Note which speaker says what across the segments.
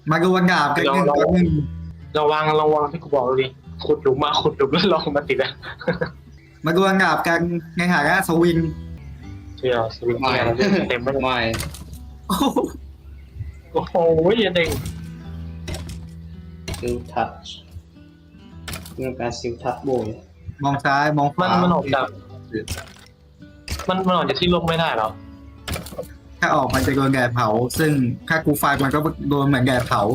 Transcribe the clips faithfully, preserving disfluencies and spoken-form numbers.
Speaker 1: มาดูวันดาบกันหนึ่ง
Speaker 2: เรา
Speaker 1: ตัวหนึ่ง
Speaker 2: ระวังระวังที่กูบอกเลยขุดหลุมมาขุดหลุมแล้วลองมาติดอะ
Speaker 1: มาดูวันดาบกันในฐานะสวิน
Speaker 2: เที่ยวสวิง
Speaker 3: ไม่
Speaker 2: เต็มไปหมด
Speaker 3: ไม่
Speaker 1: โอ้โห
Speaker 2: โอ้โหอย่าเด้ง
Speaker 3: ซิลทัชเรื่องการซิลทัชโบย
Speaker 1: มองซ้ายมองข
Speaker 2: มัน
Speaker 1: วา
Speaker 2: มันออกจากมันมันออกจากที่ลมไม่ได้หรอ
Speaker 1: ถ้าออกมันจะโดนแดดเผา ซึ่งถ้ากูไฟมันก็โดนเหมือนแดดเผา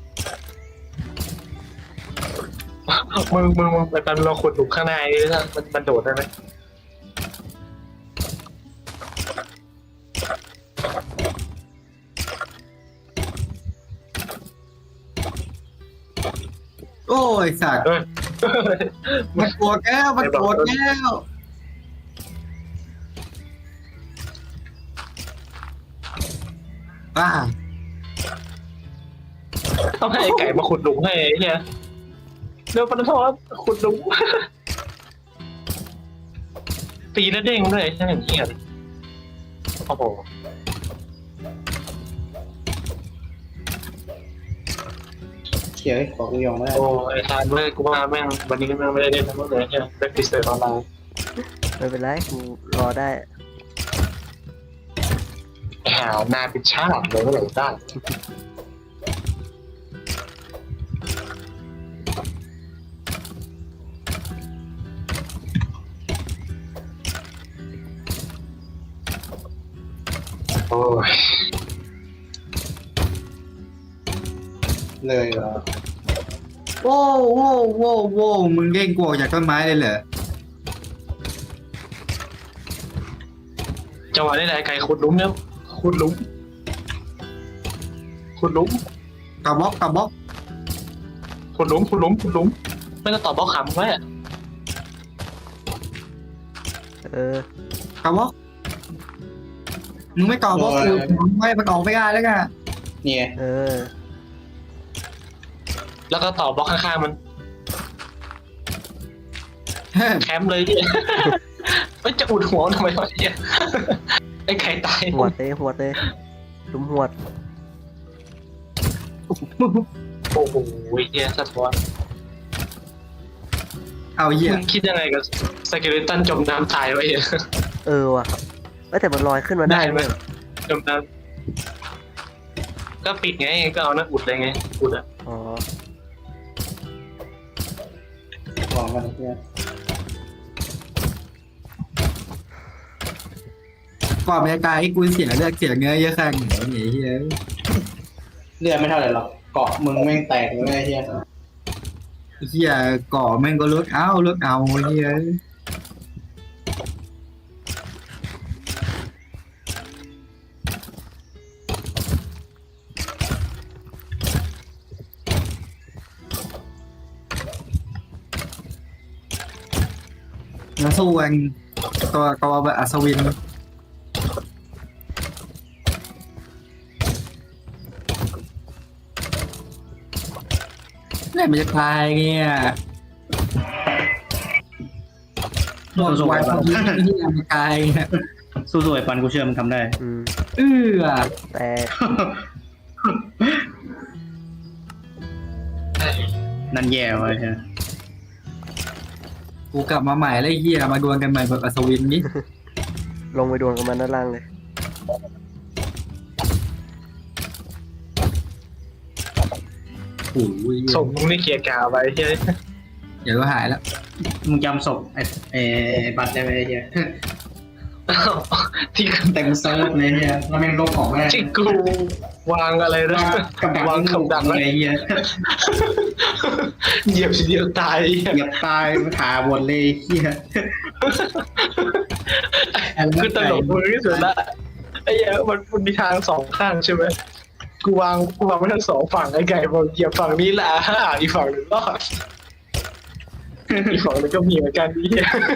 Speaker 2: มึงมึงมึงไปตอนเราขุดหลุมข้างในนี่นะมันมันโดดได้ไหม
Speaker 1: โอ้ยสัตว์
Speaker 2: เฮ้ย
Speaker 1: มันโกรธแก้วมันโกรธแก้วป้า
Speaker 2: ต้องให้ไอ้ไก่มาขุดหลุมให้ไอ้เฮียเดี๋ยวปนทอขุดหลุม ตีแล้วเด้งด้วยใช่ไหมเฮียโอ้โห
Speaker 3: เขียนของกูยองไม่ได้
Speaker 2: โอ้ไอ้ทานเมื่อกูว่าแม่งวันนี้แม่งไม่ได้เล่นทั้งหมดเลยเฮียได้พิเศษออนไลน์
Speaker 4: ไม่เป็นไรกูรอได้
Speaker 2: หาวนาเป็นชาติเลยเมื่อไหร่ได้โอ้ย
Speaker 3: เลยเหรอ
Speaker 1: โว้วโว้วโว้วโว้วมึงเด้งกูออกจากต้นไม้เลยเหรอ
Speaker 2: จังหวะนี้แหละไก่ขุดหลุมเนี่ยขุดหลุมขุดหลุม
Speaker 1: กระบอกกระบอก
Speaker 2: ขุดหลุมขุดหลุมขุดหลุมไม่ก็ตอบบล็อกขำไว้อะ
Speaker 4: เออก
Speaker 1: ระบอกมึงไม่ต่อบล็อกกูมึงไม่มันออกไม่ได้แล้วกัน
Speaker 3: เนี่ย
Speaker 4: เออ
Speaker 2: แล้วก็ตอบบล็อกข้างๆมัน
Speaker 1: เฮ้ย
Speaker 2: แคมป์เลยเนี่ยไม่จะอุดหัวทำไมวะเนี่ยไอ้ไข่ตาย
Speaker 4: หวดเลยหวดเลยลุมหวด
Speaker 2: โอ้โหเฮียสะท้อน
Speaker 1: เอาเหี้ย
Speaker 2: มึงคิดยังไงกับสเกเลตันจมน้ำตายวะเฮีย
Speaker 4: เออว่ะเอ้ยแต่มันลอยขึ้นมาได้
Speaker 2: ได้ไหม
Speaker 4: เนี่ย
Speaker 2: จมน้ำก็ปิดไงก็เอานั่นอุดเลยไงอุดอะ
Speaker 4: อ๋อ
Speaker 3: ของมันเนี่ย
Speaker 1: ก่อนบรรยากาศให้กูเสียเลือดเสียเนื้อเยอะขนาดไหนเนี่ยเฮ้ย
Speaker 3: เลือดไม่เท่าไหร่หรอกเกาะมึงแม่งแตกเลยไอ้เฮีย
Speaker 1: เฮียก่อแม่งก็ลดเอาลดเอาเฮียมาสู้กันตัวตัวแบบอัศวินเนี่ยมันจะตายเนี่ยโดนวายคนที่ที่มันตายเนี่ย
Speaker 3: สู้ๆไอ้ปันกูเชื่อมันทำได้
Speaker 4: อืม
Speaker 1: เออ
Speaker 4: แต่
Speaker 3: นั่นแย่ไว้ใช่ไหม
Speaker 1: กูกลับมาใหม่แล้วไอ้เฮียมาดวลกันใหม่แบบอัศวินนี่
Speaker 4: ลงไปดวลกับมันด้านล่างเลย
Speaker 1: โอ้ย
Speaker 2: ส่งมึงนี่เกียร์กาวไปเฮีย
Speaker 1: เดี๋ยวก็หายแล้ว
Speaker 3: มึงจำศพไอ้ไอ้ไอ้ปันได้ไหมไอ้เฮีย
Speaker 2: ที่
Speaker 3: เต็มเซิร์ฟเลยเนี่ยแล้วแม่งลบของแม่ง
Speaker 2: ที่กูวางอะไรนะ
Speaker 3: กับดัก
Speaker 2: วาง
Speaker 3: มึง
Speaker 2: กับดัก
Speaker 3: เล
Speaker 2: ไว้
Speaker 3: ยไอ้เฮีย
Speaker 2: เหยียบทีเดียวตาย
Speaker 3: เหยียบตายขาบนเลยไอ้เฮีย
Speaker 2: คือตลกมือที่สุดละไอ้เหี้ยมันมันมีทางสองข้างใช่ไหมกูวางกูวางไว้ทั้งสองฝั่งไอ้ไก่บอกเหยียบฝั่งนี้ละห้าอีกฝั่งหนึ่งรอดอีกฝั่งหนึงก็มีเหมือนกันนี่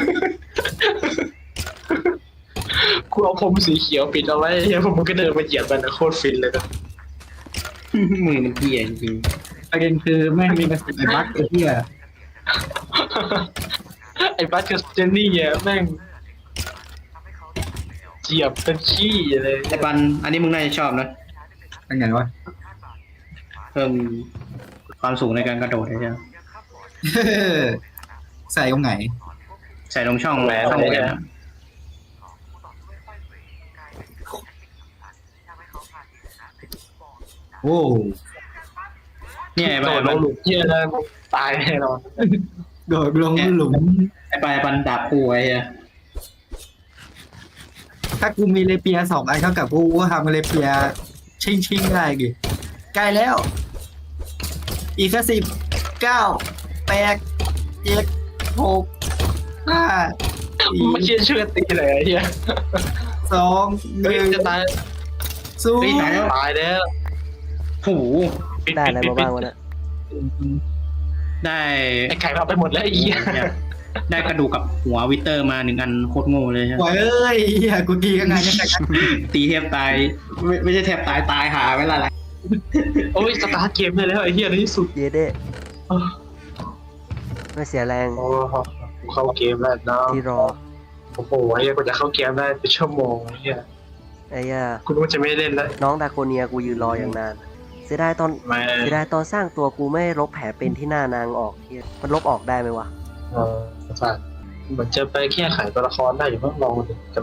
Speaker 2: กูเอาพรมสีเขียวปิดเอาไว้เฮียผมมันก็เดินมาเหยียบมันนะโคตรฟินเลยนะ
Speaker 3: มือมันเฮียจริง
Speaker 1: ประเด็นคือแม่งมีกระสุนไอ้บั๊กไอ้เฮีย
Speaker 2: ไอ้บัสกับเจนนี่เนี่ยแม่งเหยียบเป็นขี้เลย
Speaker 3: ๆไอ้ปันอันนี้มึงน่าจะชอบนะ
Speaker 1: เป็นไงวะ
Speaker 3: เพิ่มความสูงในการกระโดดใช่ไหม
Speaker 1: ใส่ตรงไหน
Speaker 3: ใส่ตรงช่องช่องแหวนอะ
Speaker 1: โอ้
Speaker 3: เนี่ยไอ้
Speaker 2: โด
Speaker 3: ป
Speaker 2: ดลงหลุมเหี้ยแล้วตายแน่นอน
Speaker 1: โดดลงหลุม
Speaker 3: ไอ้ปลายปันดาบคู่ไอ้เหี้ย
Speaker 1: ถ้ากูมีเลเปียสองอันเท่ากับกูก็ทำเลเปียชิงชิงๆได้ดิใกล้แล้ว อีกแค่สิบเก้าแปดเจ็ดหกห้าสี่
Speaker 2: ไม่เชื่อเชื่อตีเลยไอ้เหี้ย
Speaker 1: สองห
Speaker 2: เฮ้ย
Speaker 1: นึ่ง
Speaker 2: จะตาย
Speaker 1: ศูน
Speaker 3: เฮ้ย
Speaker 1: ย์
Speaker 3: ตายแล้ว
Speaker 2: ตายแล้ว
Speaker 3: โอ้โห
Speaker 2: ปิ
Speaker 4: ได้อะไร
Speaker 2: ปิ
Speaker 4: มาบ้างวะเนี่ย
Speaker 3: ได้
Speaker 2: ไอ้ไก่เอาไปหมดแล้วไอ้เหี้ย
Speaker 3: ได้กระดูกกับหัววิเตอร์มาหนึ่งอันโคตรโง่เลยใช่ไหม
Speaker 1: โอ้ยเอ้ยเหี้ยกูตีกันไงยังไงกัน
Speaker 3: ตีแทบตายไม่ไม่ใช่แทบตายตายหาไม่ละไร
Speaker 2: โอ้ยสตาร์ทเกมได้แล้วไอ้เหี้ยในที่สุด
Speaker 4: เยเด้ไม่เสียแรง
Speaker 2: โอ้กูเข้าเกมแล้วนะ
Speaker 4: ที่รอ
Speaker 2: โอ้โหไอ้เหี้ยกว่าจะเข้าเกมได้เป็นชั่วโมงไอ้เหี้ย
Speaker 4: ไอ้ย่า
Speaker 2: กูรู้ว่าจะไม่เล่นแล้ว
Speaker 4: น้องดาโกเนียกูยืนรออย่างนาน เสียดายตอน
Speaker 2: ไม่
Speaker 4: เสียดายตอนสร้างตัวกูไม่ลบแผลเป็นที่หน้านางออกเหี้ยมันลบออกได้ไหมวะ
Speaker 2: เออใช่เหมือนจะไปแก้ไขตัวละครได้อยู่เพิ่งลองดู